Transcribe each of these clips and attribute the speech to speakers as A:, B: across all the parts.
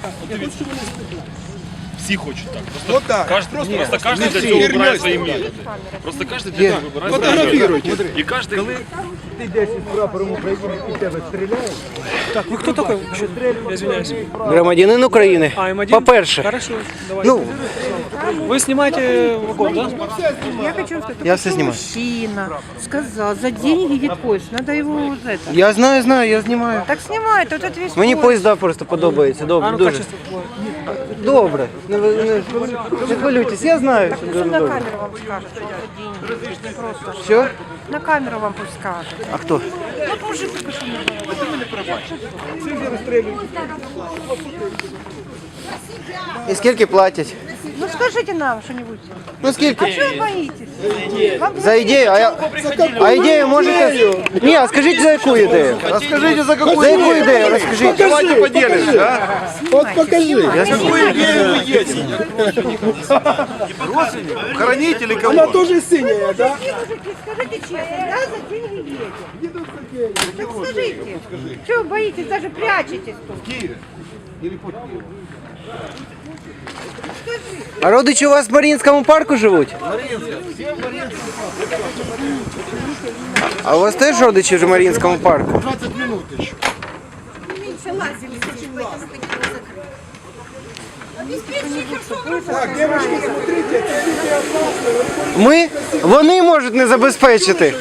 A: Всі хочуть так.
B: Вот так.
A: Просто каждый для цього вибирає свої методи. Просто каждый для цього вибирає свої методи. І кожен...
B: Ты 10 с прапором Украины и тебя стреляют.
C: Так, вы кто такой? Я извиняюсь.
D: Громадянин України.
C: АМ1?
D: По-перше.
C: Хорошо, давай.
D: Ну,
C: Вы снимаете вагон, да?
E: Я хочу сказать,
D: Я все снимаю.
E: мужчина сказал, за деньги едет поезд, надо его за это.
D: я знаю, я знімаю.
E: Так снимает, вот этот весь
D: Мені
E: поезд.
D: поїзда просто подобається.
C: А
D: Добре,
C: ну
D: дуже.
C: качество твое.
D: Добре. Не хвилюйтесь, я знаю, що дуже
E: На
D: добре.
E: камеру вам скажут, что за деньги. Просто.
D: Що?
E: На камеру вам пусть скажут.
D: А хто?
E: Вот мужик только что
D: І скільки платять?
E: Ну скажите нам что-нибудь.
D: Ну скільки?
E: А чего вы боитесь? Вам
D: За ідею, а ідею можете... Ні, а скажіть за яку ідею?
B: Расскажите, за какую
D: За яку ідею, розкажіть.
B: Давайте поделимся, а? Вот покажи.
D: Какую
B: идею вы едете? Родственник? Хранить или кого? Она тоже синяя, да?
E: мужики, скажите честно, да, за деньги едет? Так скажите, чего вы боитесь, даже прячетесь тут?
B: В Киеве? Или под Киевом?
D: А родичі у вас в Маріїнському парку живуть? А у вас теж родичі в Маріїнському парку?
B: 20 минут еще. Так, девочки, смотрите, это люди опасны.
D: Вони можуть не забезпечити.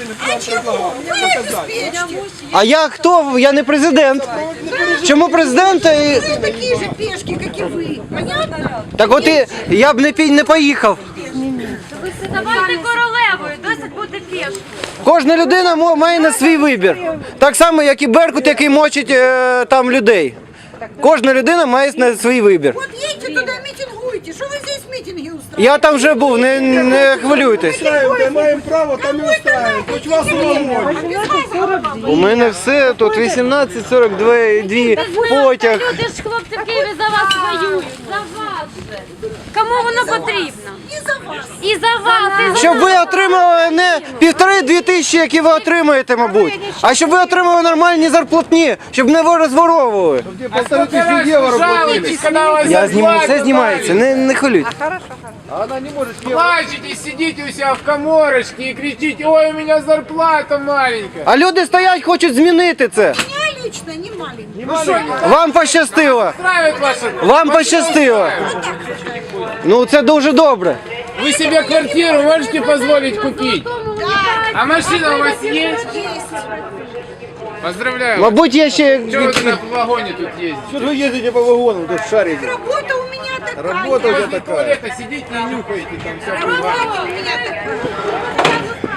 D: А я хто? Я не президент. Чому президент?
E: Такие же пешки, как и вы. Понятно?
D: Так от я б не поїхав.
F: Давайте королевою, досить бути пішкою.
D: Кожна людина має на свій вибір. Так само, як і Беркут, який мочить там людей. Кожна людина має на свій вибір.
E: Вот едьте туда, митингуйте. Что вы здесь митинги устраиваете?
D: Я там вже був, не хвилюйтесь.
B: Устраиваем, маем право, там и устраиваем. Хоть вас угодно.
D: У мене все, тут 18:42 потяг.
F: Люди ж хлопці в Києві за вас воюють, за вас же. Кому воно потрібно?
E: И за вас.
F: І за вас, і за
D: Щоб ви отримали не 1,5-2 тисячі, які ви отримаєте, мабуть, а щоб ви отримали нормальні зарплатні, щоб не ви розворовували.
B: Где 1500 евро платили.
D: Я знімаю, все знімається, не хвилюйтесь.
B: Она не может
G: Плачете, сидите у себя в коморочке и кричите: ой, у меня зарплата маленькая.
D: А люди стоять, хочуть змінити це.
E: Я лично не маленький.
D: Вам пощастило.
G: Устраивает ваша...
D: Вам пощастило. Ну це дуже добре.
G: Вы себе квартиру можете позволить купить? А машина у вас есть? Поздравляю.
D: Мабуть, я ще...
G: Что вы на вагоне тут ездите?
B: Что вы ездите по вагонам, тут шарите?
E: Работа у меня такая.
B: Работа у тебя
G: Возле
B: такая.
G: туалета сидите и нюхаете там всякую влагу.
E: Работа у меня такая.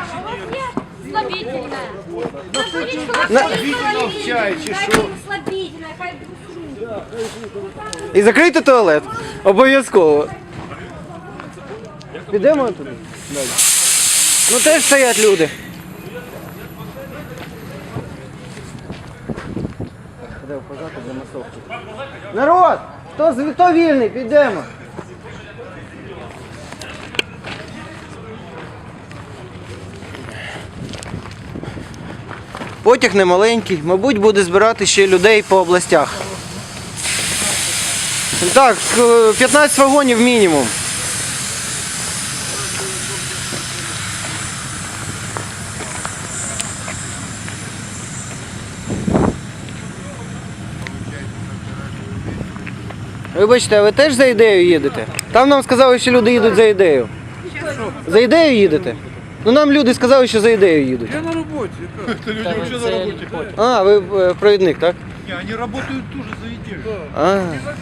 F: слабительне.
B: Чай, чешу.
F: Слабительне, хай
D: І закрийте туалет. Обов'язково. Підемо туди? Ну теж стоять люди. Народ! Хто вільний? Підемо. Потяг не маленький, мабуть, буде збирати ще людей по областях. Так, 15 вагонів мінімум. Вибачте, а ви теж за ідею їдете? Там нам сказали, що люди їдуть за ідею. За ідею їдете? Ну нам люди сказали, що за ідею їдуть.
B: Я на работе. Это люди вообще на работе.
D: А, ви провідник, так?
B: Не, они работают тоже за идею.
D: А.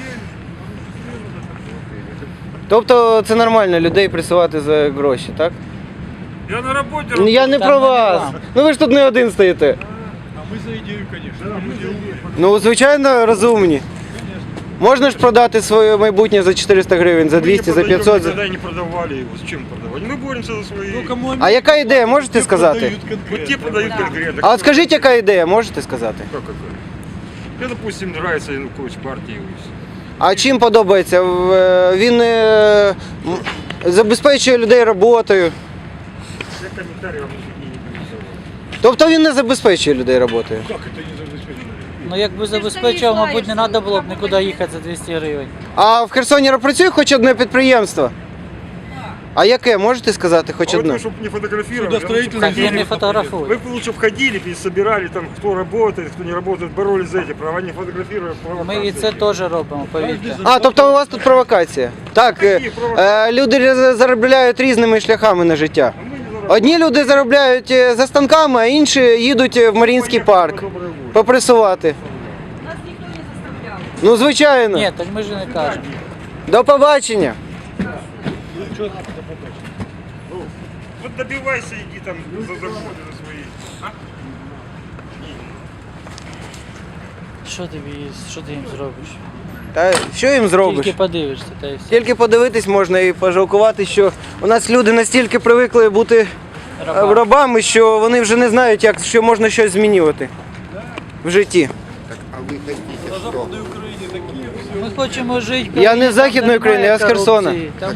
D: Тобто це нормально людей пресувати за гроші, так?
A: Я на роботі.
D: Я не про вас. Ну ви ж тут не один стоїте.
B: А мы за идею, конечно. Люди умные.
D: Ну, звичайно, розумні. Можна ж продати своє майбутнє за 400 гривень, за 200, за 500.
A: Никогда не продавали его. Зачем продавать? Мы боремся за свои.
B: Ну, кому они
D: А яка ідея, можете сказати?
B: продают
A: Вот
B: конкретно?
A: те продают конкретно.
D: А от скажіть, яка ідея, можете сказати?
A: Как какой? Мне, допустим, нравится Янукович партии.
D: А чим подобається? Він забезпечує людей роботою.
A: Я комментарий вам не привезу.
D: Тобто він не забезпечує людей роботою.
B: Как это не забезпечено?
H: Ну якби забезпечував, мабуть, не треба було б нікуди їхати за 200 гривень.
D: А в Херсоні працює хоч одне підприємство? А яке, можете сказати хоч одне?
I: Чтобы не фотографировали.
H: Так я не фотографую.
I: Вы бы лучше входили, собирали там, кто работает, кто не работает, боролись за эти права, не фотографируя.
H: Ми і це теж робимо, повірте.
D: А, тобто у вас тут провокація. Так, люди заробляють різними шляхами на життя. Одні люди заробляють за станками, а інші їдуть в Маріїнський парк попресувати.
F: Нас ніхто не заставляв.
D: Ну, звичайно.
H: Ні, так ми ж не кажемо.
D: До побачення.
I: Вот добивайся, иди там за заводы за свои.
H: Що ти їм зробиш?
D: Та що їм зробиш?
H: Тільки подивишся, та й все.
D: Тільки подивитись можна і пожалкувати, що у нас люди настільки привикли бути рабами, що вони вже не знають, як що можна щось змінювати в житті.
H: Ми хочемо жити.
D: Я не з Західної України, я з Херсона.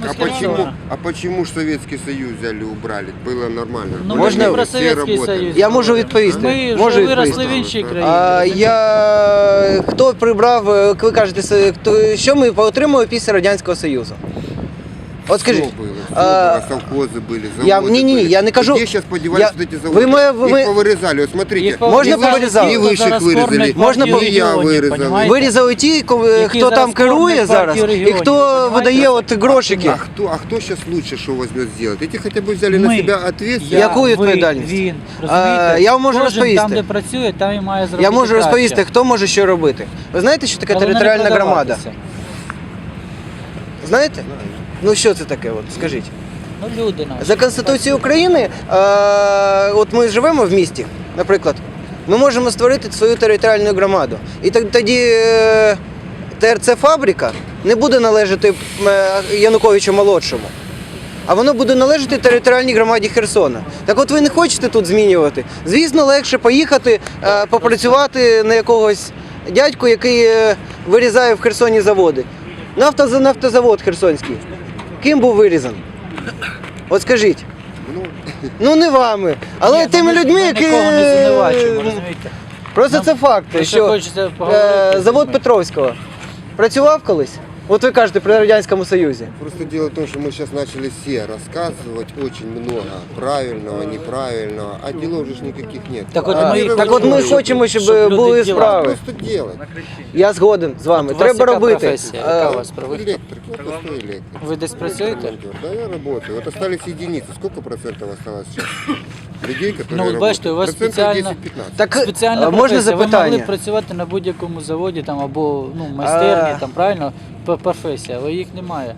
J: А почему ж Советский Союз взяли, убрали? Было нормально.
H: Ну,
D: Можна
H: ми не про
J: всі
H: Совєтський
J: работали.
H: Союз.
D: Я можу відповісти.
H: Ми
D: Можу
H: вже виросли в
D: відповісти.
H: іншій країні.
D: Хто прибрав, ви кажете, що ми отримали після Радянського Союзу? От скажіть.
J: Что было? Совхозы были, заводы
D: Ні,
J: были.
D: я не кажу.
J: Где сейчас подевались вот эти заводы?
D: Ви
J: Их повырезали, вот смотрите.
H: Їх
D: Можна
H: повирізали,
D: повирізали?
J: І ви ж їх вирізали.
D: Можна
J: І я вирізав.
H: понімаєте?
D: Вирізали ті, хто
H: зараз
D: там керує
H: кормлять
D: зараз,
H: партію
D: і
H: регіонів,
D: хто
H: понімаєте?
D: видає от грошики.
J: А кто сейчас лучше что возьмет сделать? Эти хотя бы взяли на
H: Ми.
J: себя ответственность.
D: Яку відповідальність?
H: Він, розумієте?
D: Я вам можу
H: Кожен
D: розповісти.
H: там, де працює, там і має зробити
D: Я можу
H: краще.
D: розповісти, хто може що робити. Ви знаєте, що таке
H: Головне не
D: територіальна громада?
H: продаватися.
D: Знаєте? Ну що це таке, от скажіть.
H: Ну люди наші.
D: За Конституцією України, от ми живемо в місті, наприклад, ми можемо створити свою територіальну громаду. І тоді ТРЦ «Фабрика» не буде належати Януковичу молодшому, а воно буде належати територіальній громаді Херсона. Так от ви не хочете тут змінювати. Звісно, легше поїхати, попрацювати на якогось дядьку, який вирізає в Херсоні заводи. Нафтозавод Херсонський. Ким був вирізаний? От скажіть. Ну не вами, але
H: Ні,
D: тими
H: ми
D: людьми, які...
H: нікого не звинувачуємо, розумієте?
D: Просто це факти,
H: Просто
D: що
H: хочеться поговорити з
D: завод
H: людьми.
D: Петровського працював колись? От ви кажете при Радянському Союзі.
J: Просто дело в том, что мы сейчас начали все рассказывать очень много правильного, неправильного, а делов же ж никаких нет.
H: Так от ми-
D: Так от ми хочемо, щоб
H: люди
D: були
H: діла.
D: справи.
J: Просто делать.
D: Я згоден з вами.
H: От у вас
D: Треба
H: яка
D: робити.
H: професія? Яка у вас професія?
J: Электрик, я простой электрик.
H: Ви десь працюєте?
J: Да, я работаю. Вот остались единицы. Сколько процентов осталось сейчас? Людей, которые
H: Ну, от бачите, у вас
J: Процентов
H: спеціально-
J: 10-15.
D: Так
H: Спеціальна
D: можна
H: професія. Ви могли
D: запитання?
H: б працювати на будь-якому заводі там, або майстерні, там, правильно? Професія, але їх немає.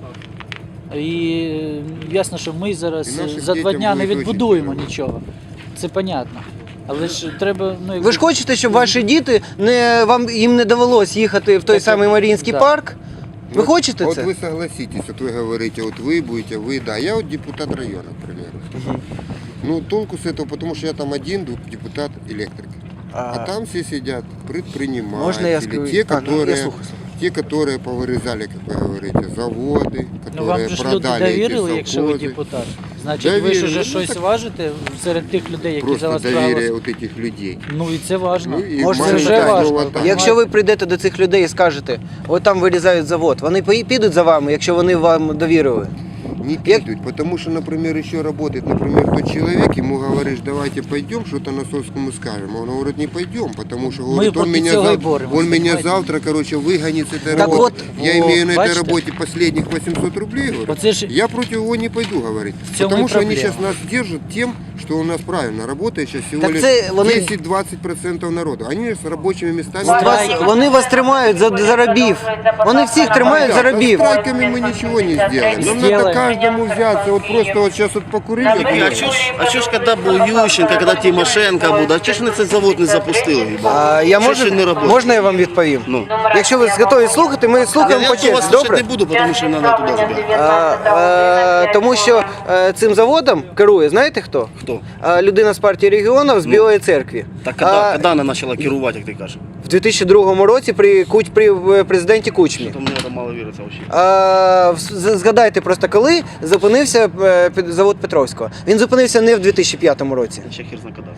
H: І ясно, що ми зараз
J: І нашим
H: за 2
J: дітям
H: дня не
J: буде дуже
H: відбудуємо
J: тяжко.
H: нічого. Це понятно. Але ж треба. Ну,
D: Ви ж хочете, щоб ваші діти їм не довелось їхати в той самий Маріїнський
H: да.
D: парк? Ви
J: Вот-
D: хочете
J: вот
D: це?
J: вы согласитесь, вот вы говорите, вот вы будете, вы, да. Я вот депутат района, к примеру. Ну, толку с этого, потому что я там один депутат электрик. А там все сидят предприниматели,
D: Можно я скажу?
J: те,
D: Я
J: которые,
D: слушаю.
J: те, которые повырезали, как вы говорите, заводы,
H: Ну вам
J: которые
H: же ж люди
J: продали
H: довірили,
J: эти
H: якщо ви
J: совхозы.
H: депутат. Значить, ви ж
J: Довірили.
H: уже
J: Ну,
H: щось
J: так-
H: важите серед тих людей, які за
J: Просто
H: вас
J: доверие
H: проголосували.
J: вот этих людей.
H: Ну і це важно.
J: Ну, і
D: Може,
H: це
J: мало
H: вже
J: так,
H: важно.
J: ну, отак.
D: Якщо ви прийдете до цих людей і скажете, от там вирізають завод, вони підуть за вами, якщо вони вам довірили.
J: Не пидут, потому что, например, еще работает, например, тот человек, ему говоришь, давайте пойдем, что-то Носовскому скажем. Он говорит, не пойдем, потому что говорит, он,
H: проти
J: меня,
H: цього і
J: он
H: боремося,
J: меня
H: понимаете?
J: завтра, короче, выгонит с этой
D: Так
J: работы.
D: вот,
J: Я имею на этой
H: бачите?
J: работе последних 800 рублей, говорю,
H: Вот это ж-
J: я против его не пойду, говорит.
H: В цьому
J: Потому
H: і
J: что они
H: проблема.
J: сейчас нас держат тем, что у нас правильно работает сейчас всего
D: Так
J: лишь
D: це вони-
J: 10-20% народу. Они с рабочими местами...
D: Вони вас тримають за рабів. Вони всіх тримають за рабів.
J: Страйками мы ничего не сделаем. Нам надо
H: Сделаем.
J: каждому взяться. Вот просто вот сейчас вот покурили.
K: А що ж, коли був Ющенко, коли Тимошенко буде, а чого ж вони цей завод не запустили?
D: Я
K: Що ще не працює?
D: можна я вам відповім?
K: Ну.
D: Якщо ви готові слухати, ми слухаємо
K: Я
D: по
K: вас
D: черзі,
K: слухати
D: добре?
K: не буду, тому що не треба туди забігати.
D: Тому що цим заводом керує, знаєте хто?
K: Хто?
D: Людина з партії регіонів з Білої церкви.
K: Так коли вона почала керувати, як ти кажеш?
D: В 2002 році при президенті Кучмі.
K: То мені це мало віриться взагалі.
D: Згадайте просто, коли зупинився завод Петровського. Він зупинився не в 2005 році.
K: Ще хір зна коли.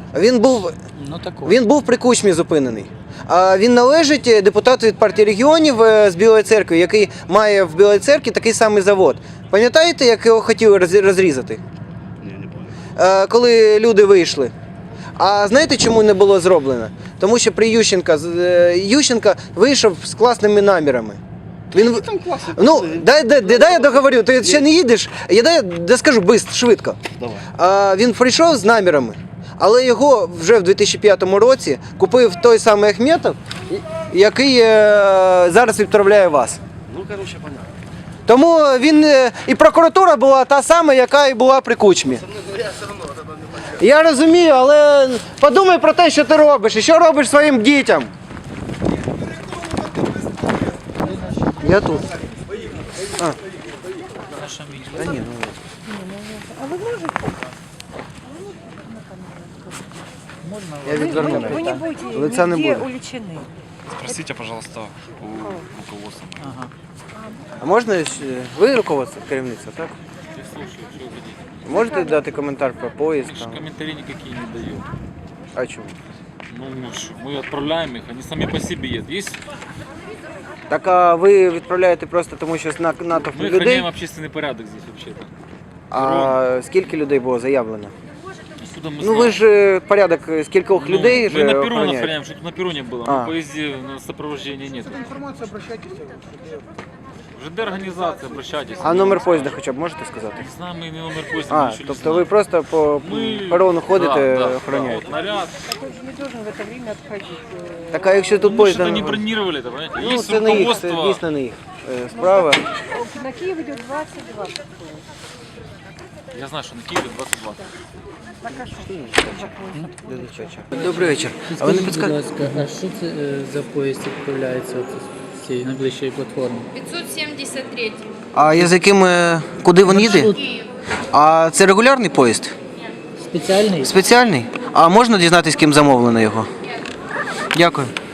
D: Він був при Кучмі зупинений. А він належить депутату від партії регіонів з Білої церкви, який має в Білій церкві такий самий завод. Пам'ятаєте, як його хотіли розрізати?
K: Ні, не пам'ятаю.
D: Коли люди вийшли. А знаєте, чому не було зроблено? Тому що при Ющенка вийшов з класними намірами. Ну, дай я договорю, ти ще не їдеш, я скажу швидко.
K: Давай.
D: Він прийшов з намірами, але його вже в 2005 році купив той самий Ахметов, який зараз відправляє вас.
K: Ну, короче, понятно.
D: Тому і прокуратура була та сама, яка і була при Кучмі. Я розумію, але подумай про те, що ти робиш, і що робиш своїм дітям. Я тут. Та ні, ну. Я відверну.
E: Вы не будете
D: Лица не
E: нигде
D: буде.
E: уличены.
A: Спросите, пожалуйста, у руководства.
D: А можна ви руководство, керівництво, так?
A: Я слушаю, что вы хотите.
D: Можете дати коментар про поїзд?
A: Я же комментарии никакие не даю.
D: А чому?
A: Ну, мы отправляем их, они сами по себе едут. Есть,
D: Так а ви відправляєте просто тому, що натовп
A: мы
D: людей?
A: охраняем общественный порядок здесь вообще-то.
D: А скільки людей було заявлено?
A: Откуда мы
D: Ну
A: знаем?
D: ви ж порядок з кількох людей
A: мы
D: ж
A: на перроне
D: охороняєте.
A: охраняем, чтобы на перроне было.
D: А.
A: На поезде сопровождения нет. ЖД организация, обращайтесь.
D: А номер поїзда хоча б можете сказати?
A: Не знаю, мы не номер поезда мы еще не
D: Тобто
A: знаем.
D: ви просто по
A: Мы-
D: перрону ходите,
A: Да,
D: охороняєте?
A: вот наряд.
E: Такой же не должен в это время отходить.
D: Так а якщо тут
A: Мы
D: поїзд...
A: что-то не бронировали, это, понимаете?
D: Ну,
A: Есть
D: це не їх, це
A: руководство.
D: дійсно не їх справа.
E: На Киев идет 22.
A: Я знаю, что на Киеве 22.
D: Добрий вечір. А ви не
H: Скажіть, будь
D: підскажете?
H: ласка, а що це за поїзд відправляється з цієї найближчої платформи?
F: 573.
D: А я з яким, куди він їде? А це регулярний поїзд?
H: Спеціальний?
D: Спеціальний? А можна дізнатися, ким замовлено його? Дякую.